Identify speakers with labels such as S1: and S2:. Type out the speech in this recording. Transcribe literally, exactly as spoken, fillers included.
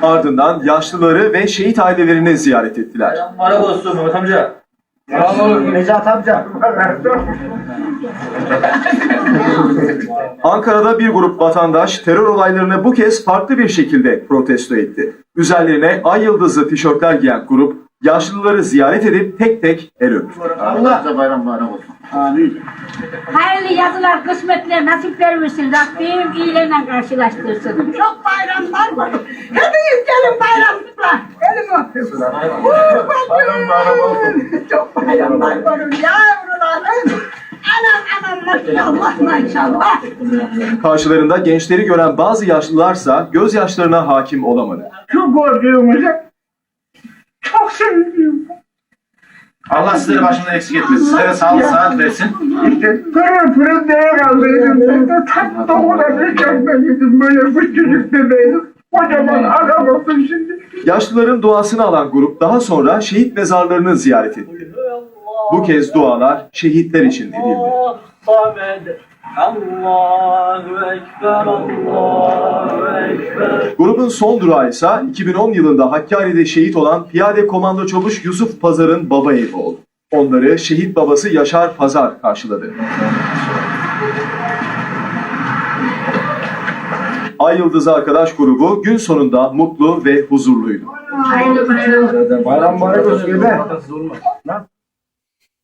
S1: Ardından yaşlıları ve şehit ailelerini ziyaret ettiler.
S2: Bayram olsun Mehmet amca.
S3: Selamünaleyküm Necat amca.
S1: Ankara'da bir grup vatandaş terör olaylarını bu kez farklı bir şekilde protesto etti. Üzerlerine ay yıldızlı tişörtler giyen grup yaşlıları ziyaret edip tek tek el öptü.
S3: Allah bayram bayram olsun. Amin.
S4: Hayırlı yazılar, kısmetler, nasipler versin. Rabbim iyilerle karşılaştırsın. Çok bayramlar var. Hepiniz gelin bayramlar. Gelin öpün.
S3: Bayram bayram olsun.
S4: Çok bayramlar var yavrularım. Anam anam maşallah maşallah.
S1: Karşılarında gençleri gören bazı yaşlılarsa gözyaşlarına hakim olamadı.
S5: Şu gördüğümüzü çok seviyorum.
S3: Allah sizleri başından eksik etmesin. Sizlere sağlık saat versin.
S5: İşte pırıl pırıl değer aldıydım. Ben de tam da ona bir çekmeydim. Böyle küçücük bebeğim. Kocaman adam olsun şimdi.
S1: Yaşlıların duasını alan grup daha sonra şehit mezarlarını ziyaret etti. Bu kez dualar şehitler için edildi.
S2: Allahu Ekber, Allahu Ekber.
S1: Grubun son durağı ise iki bin on yılında Hakkari'de şehit olan Piyade Komando Çavuş Yusuf Pazar'ın baba evi oldu. Onları şehit babası Yaşar Pazar karşıladı. Ay Yıldızı Arkadaş grubu gün sonunda mutlu ve huzurluydu.
S4: Hayırlı bayram.
S3: Bayram bayram olsun.